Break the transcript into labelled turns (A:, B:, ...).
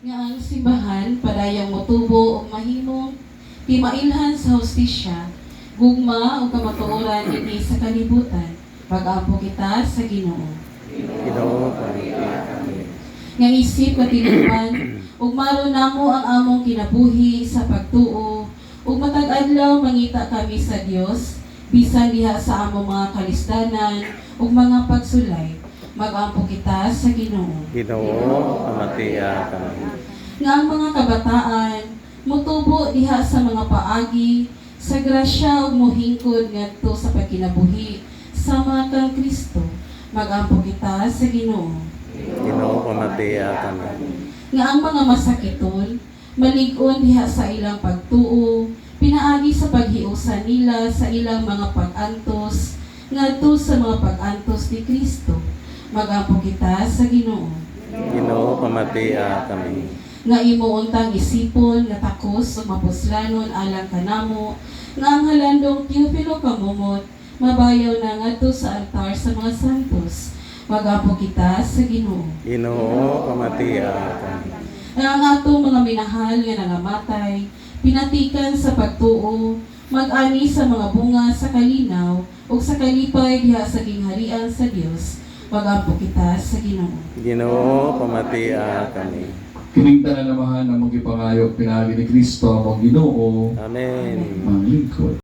A: nga ang simbahan padayang motubo og mahimong timailhan sa hostisya, gugma o kamatuoran dinhi sa kalibutan. Pag-ampo kita sa Ginoo.
B: Ginoo, pamilya kami.
A: Nga isip katinuan ug maro namo ang among kinabuhi sa pagtuo ug matag adlaw mangita kami sa Dios bisan diha sa among mga kalisdanan ug mga pagsulay. Mag-ampo kita sa Ginoo.
B: Ginoo, pamatiya kami.
A: Nga ang mga kabataan motubo diha sa mga paagi sa grasya ug mohingkod ngadto sa pagkinabuhi sama kang Kristo. Mag-ampo kita sa Ginoo.
B: Ginoo, pamatiya kami.
A: Nga ang mga masakiton malig-on diha sa ilang pagtuo pinaagi sa paghiusa nila sa ilang mga pag-antos ngadto sa mga pag-antos ni Kristo. Mag-ampo kita sa Ginoo.
B: Ginoo, pamatiya kami.
A: Nga imo untang isipon nga takos ug mapuslanon alang kanamo nga ang halandong Teofilo kamumot mabayaw na ngadto sa altar sa mga santos. Mag-ampo kita sa Ginoo.
B: Ginoo, pamatiya kami.
A: Nga ang atong mga minahal nga nangamatay pinatikan sa pagtuo mag-ani sa mga bunga sa kalinaw ug sa kalipay diha sa gingharian sa Dios. Mag-ampo kita sa Ginoo.
B: Ginoo, pamatiya kami.
C: Kining tanan namahan ang magipangayo pinaagi ni Kristo among Ginoo,
B: Amen.
C: ang lingkod.